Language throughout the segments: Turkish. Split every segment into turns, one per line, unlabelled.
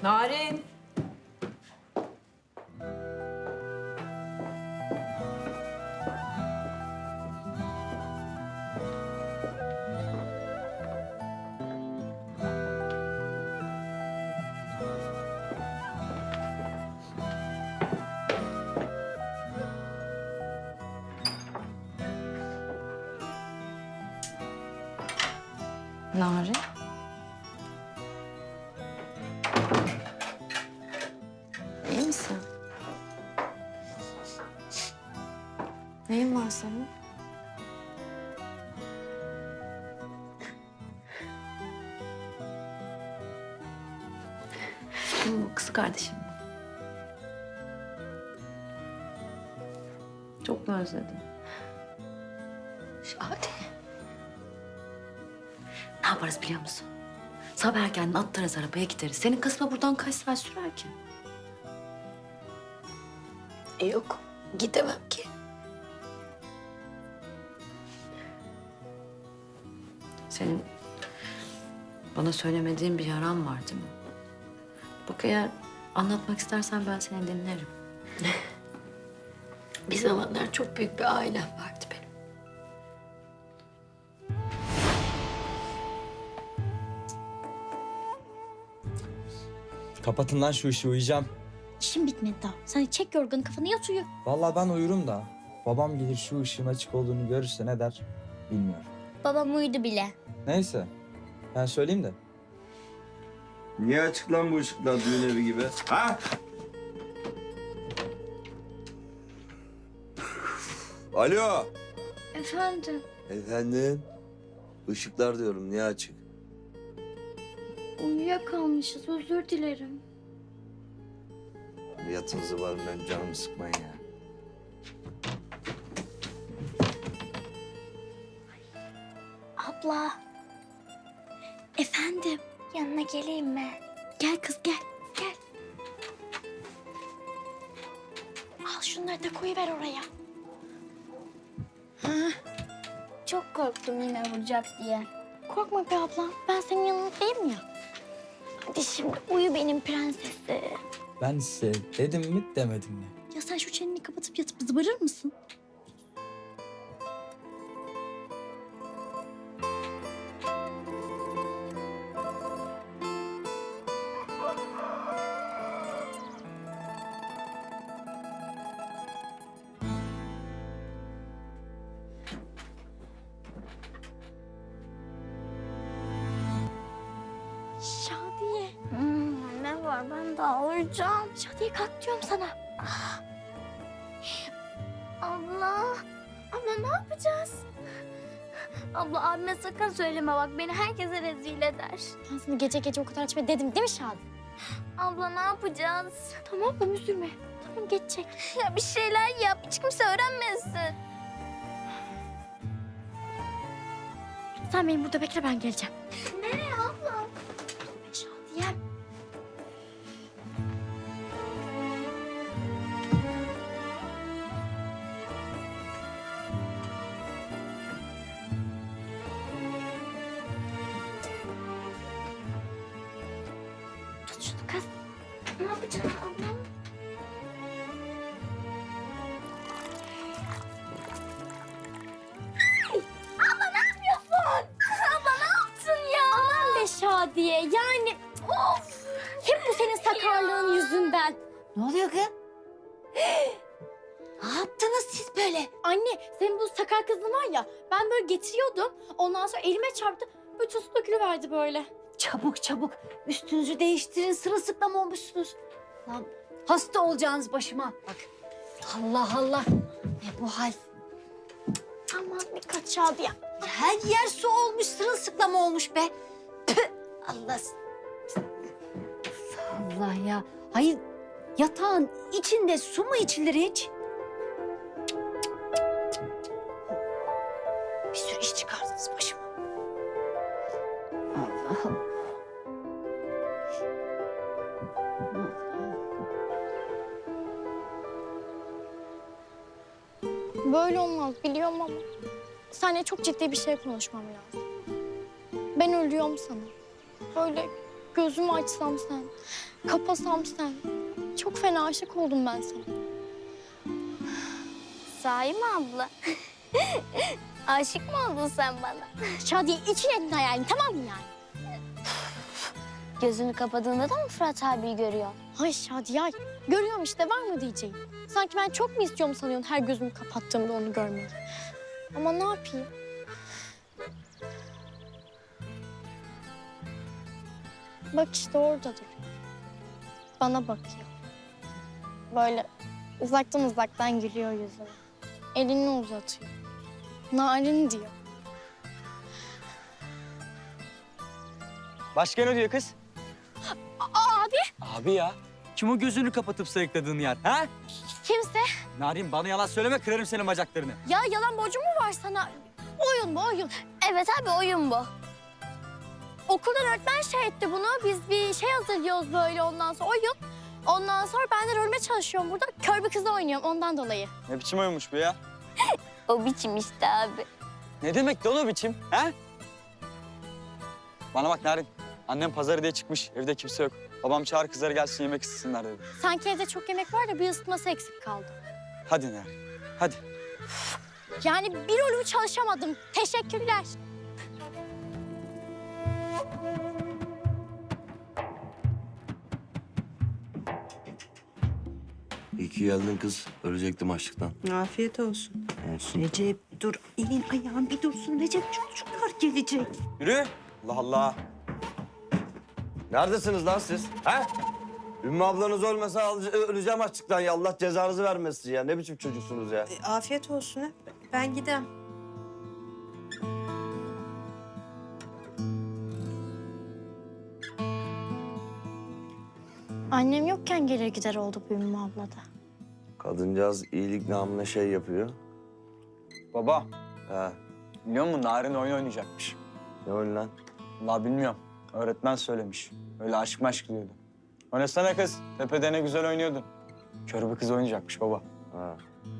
Narin.
Narin. İyi misin? Neyin var senin? Bu kız kardeşim. Çok mu özledin?
Şadi. Ne yaparız biliyor musun? Sabah erkenden atlarız arabaya gideriz. Senin kısma buradan kaç saat sürer ki?
Yok, gidemem ki.
Senin bana söylemediğin bir yaran var değil mi? Bak eğer anlatmak istersen ben seni dinlerim.
Bir zamanlar çok büyük bir ailem vardı benim.
Kapatın lan şu işi, uyuyacağım.
İşim bitmedi daha. Sen çek yorganı kafanı yat uyu.
Vallahi ben uyurum da. Babam gelir şu ışığın açık olduğunu görürse ne der bilmiyorum.
Babam uyudu bile.
Neyse ben söyleyeyim de.
Niye açık lan bu ışıklar düğün evi gibi? Ha? Alo.
Efendim?
Efendim? Işıklar diyorum, niye açık?
Uyuyakalmışız. Özür dilerim.
Yatınızı var, ben canımı sıkmayın ya.
Abla. Efendim? Yanına geleyim mi? Gel kız gel. Gel. Al şunları da koyuver oraya. Çok korktum yine vuracak diye. Korkma be ablam. Ben senin yanındayım ya. Hadi şimdi uyu benim prensesi.
Ben size dedim mi demedim mi?
Ya sen şu çeneni kapatıp yatıp zıbarır mısın? Şadiye. Ne var? Ben daha uyuyacağım. Şadiye kalk diyorum sana. Abla. Abla ne yapacağız? Abla abime sakın söyleme bak. Beni herkese rezil eder. Ben sana gece gece o kadar açma dedim değil mi Şadiye? Abla ne yapacağız? Tamam mı üzülme. Tamam geçecek. Ya bir şeyler yap. Hiç kimse öğrenmesin. Sen beni burada bekle ben geleceğim. Nereye abla? Şadiye. Tut şunu kız. Ne yapacaksın abla? Abla ne yapıyorsun? Abla ne yaptın ya? Aman be Şadiye yani of. Hep bu senin sakarlığın yüzünden.
Ne oluyor kız? Ne yaptınız siz böyle?
Anne senin bu sakar kızın var ya ben böyle getiriyordum. Ondan sonra elime çarptı. Bütün su dökülüverdi böyle.
Çabuk çabuk üstünüzü değiştirin, sırılsıklam olmuşsunuz. Lan hasta olacağınız başıma. Bak Allah Allah ne bu hal?
Aman dikkat Şadiye.
Her yer su olmuş, sırılsıklam olmuş be. Püh, Allah. Allah ya. Hayır yatağın içinde su mu içilir hiç? Bir sürü iş çıkardınız başıma. Allah'ım.
Böyle olmaz biliyorum ama seninle çok ciddi bir şey konuşmam lazım. Ben ölüyorum sana. Böyle Gözümü açsam sen, kapasam sen. Çok fena aşık oldum ben sana. Sahi mi abla? Aşık mı oldun sen bana? Şadiye için ettin hayalini, tamam mı yani? Gözünü kapadığında da mı Fırat abiyi görüyor? Ay Şadiye, ay. Görüyorum işte, var mı diyeceğim. Sanki ben çok mu istiyorum sanıyorsun her gözümü kapattığımda onu görmeyi? Ama ne yapayım? Bak işte oradadır. Bana bakıyor. Böyle uzaktan gülüyor yüzüme. Elini uzatıyor. Narin diyor.
Başka ne diyor kız?
Abi
Abi ya. Kim o gözünü kapatıp sayıkladığın yer? Ha?
kimse.
Narin bana yalan söyleme kırarım senin bacaklarını.
Ya yalan borcum mu var sana? Oyun bu oyun. Evet abi oyun bu. Okuldan öğretmen şey etti bunu. Biz bir şey hazırlıyoruz böyle ondan sonra oyun. Ondan sonra ben de rolüme çalışıyorum burada. Kör bir kızla oynuyorum ondan dolayı.
Ne biçim oyunmuş bu ya?
O biçim işte abi.
Ne demek lan o biçim? Ha? Bana bak Narin. Annem pazarı diye çıkmış. Evde kimse yok. Babam çağır kızları gelsin yemek istesinler dedi.
Sanki evde çok yemek var da bir ısıtması eksik kaldı.
Hadi Narin. Hadi.
Yani bir rolümü çalışamadım. Teşekkürler.
İyi ki geldin kız. Ölecektim açlıktan.
Afiyet olsun.
Olsun.
Recep dur, elin ayağın bir dursun. Recep çocuklar gelecek.
Yürü. Allah Allah.
Neredesiniz lan siz? Ha? Ümmü ablanız ölmese öleceğim açlıktan ya. Allah cezanızı vermesin ya. Ne biçim çocuksunuz ya?
Afiyet olsun. Ha. Ben gidem.
Annem yokken gelir gider oldu bu Ümmü abla da.
Kadıncağız iyilik namına şey yapıyor.
Baba.
Ha.
Biliyor musun Narin oyun oynayacakmış.
Ne oyun lan?
Vallahi bilmiyorum. Öğretmen söylemiş. Öyle aşk maşk diyordu. Oynasana kız. Tepede ne güzel oynuyordun. Kör bir kız oynayacakmış baba.
Ha.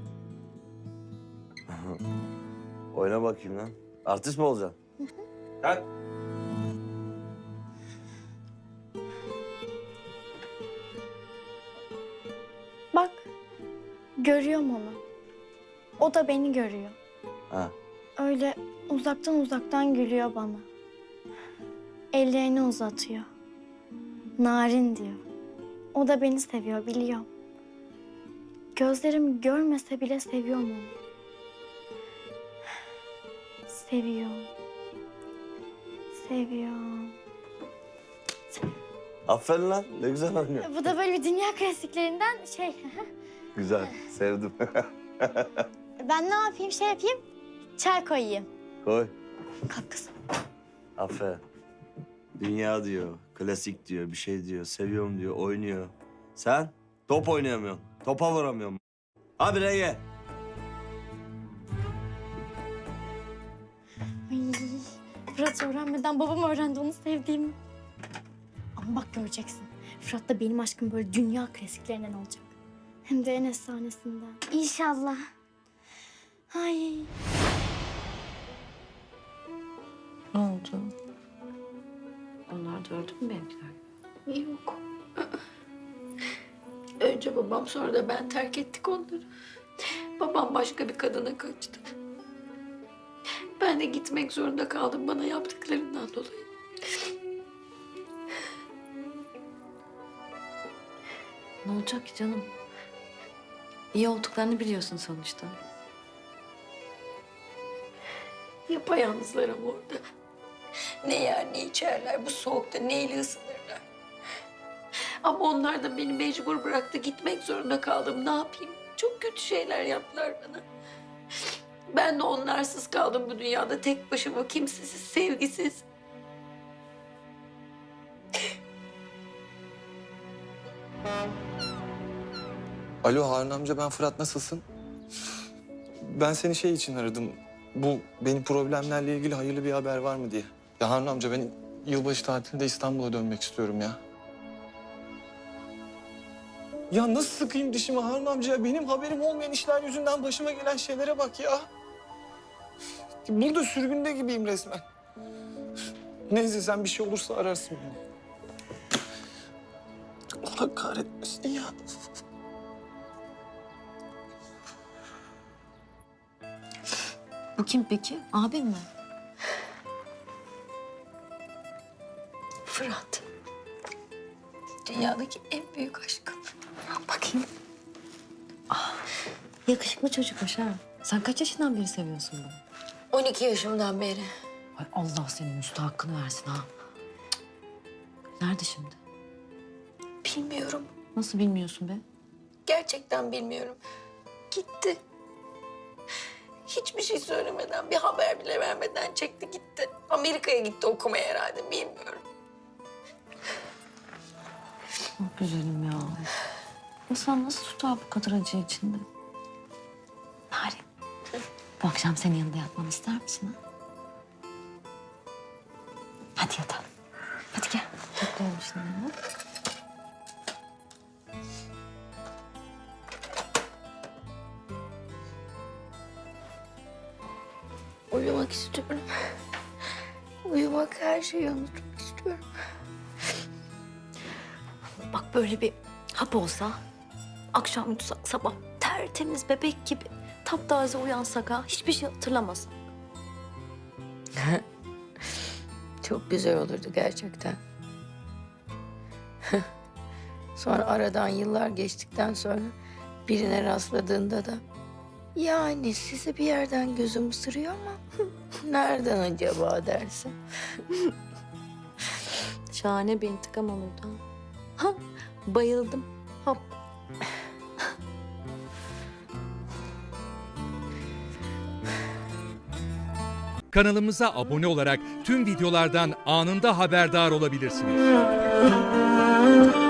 Oyna bakayım lan. Artist mi olacaksın? Kalk.
Bak, görüyorum onu. O da beni görüyor.
Ha.
Öyle uzaktan gülüyor bana. Ellerini uzatıyor. Narin diyor. O da beni seviyor, biliyorum. Gözlerim görmese bile seviyorum onu. Seviyorum. Seviyorum.
Aferin lan. Ne güzel oynuyor.
Bu da böyle bir dünya klasiklerinden şey.
Güzel. Sevdim.
Ben ne yapayım, şey yapayım? Çay koyayım.
Koy.
Kalk kızım.
Aferin. Dünya diyor, klasik diyor, bir şey diyor, seviyorum diyor, oynuyor. Sen top oynayamıyorsun, topa vuramıyorsun. Abi Ege.
Ay, Fırat öğrenmeden babam öğrendi onu sevdiğimi. Ama bak göreceksin. Fırat da benim aşkım böyle dünya klasiklerinden olacak. Hem de en efsanesinden. İnşallah. Ay.
Ne oldu? Onlar da öldü mü benimkiler? Yok. Önce babam sonra da ben terk ettik onları. Babam başka bir kadına kaçtı. Ben de gitmek zorunda kaldım bana yaptıklarından dolayı.
Ne olacak ki canım? İyi olduklarını biliyorsun sonuçta.
Yapayalnızlar ama orada. Ne yer ne içerler bu soğukta neyle ısınırlar. Ama onlar da beni mecbur bıraktı gitmek zorunda kaldım ne yapayım. Çok kötü şeyler yaptılar bana. Ben de onlarsız kaldım bu dünyada tek başıma kimsesiz sevgisiz.
Alo Harun amca, ben Fırat, nasılsın? Ben seni şey için aradım. Bu benim problemlerle ilgili hayırlı bir haber var mı diye. Ya Harun amca, ben yılbaşı tatilinde İstanbul'a dönmek istiyorum ya. Ya nasıl sıkayım dişimi Harun amca ya? Benim haberim olmayan işler yüzünden başıma gelen şeylere bak ya. Burada sürgünde gibiyim resmen. Neyse sen bir şey olursa ararsın beni. Allah kahretmesin ya.
Bu kim peki? Abin mi?
Fırat. Dünyadaki en büyük aşkım.
Bakayım. Yakışıklı çocukmuş ha. Sen kaç yaşından beri seviyorsun bunu?
12 yaşımdan beri.
Ay Allah senin üstü hakkını versin ha. Cık. Nerede şimdi?
Bilmiyorum.
Nasıl bilmiyorsun be?
Gerçekten bilmiyorum. Gitti. Hiçbir şey söylemeden, bir haber bile vermeden çekti gitti. Amerika'ya gitti okumaya herhalde, bilmiyorum.
Çok güzelim ya. İnsan nasıl tutar bu kadar acı içinde? Narin, bu akşam senin yanında yatmamı ister misin ha? Hadi yatalım. Hadi gel. Toplayalım şimdi. Ha?
Uyumak istiyorum. Uyumak, her şeyi unutmak istiyorum.
Bak böyle bir hap olsa, akşam yutsak sabah tertemiz bebek gibi taptaze uyansak ha, hiçbir şey hatırlamaz.
Çok güzel olurdu gerçekten. Sonra aradan yıllar geçtikten sonra birine rastladığında da yani sizi bir yerden gözüm ısırıyor ama nereden acaba dersin?
Şahane bir intikam olurdu ha. Ha, bayıldım. Hap.
Kanalımıza abone olarak tüm videolardan anında haberdar olabilirsiniz.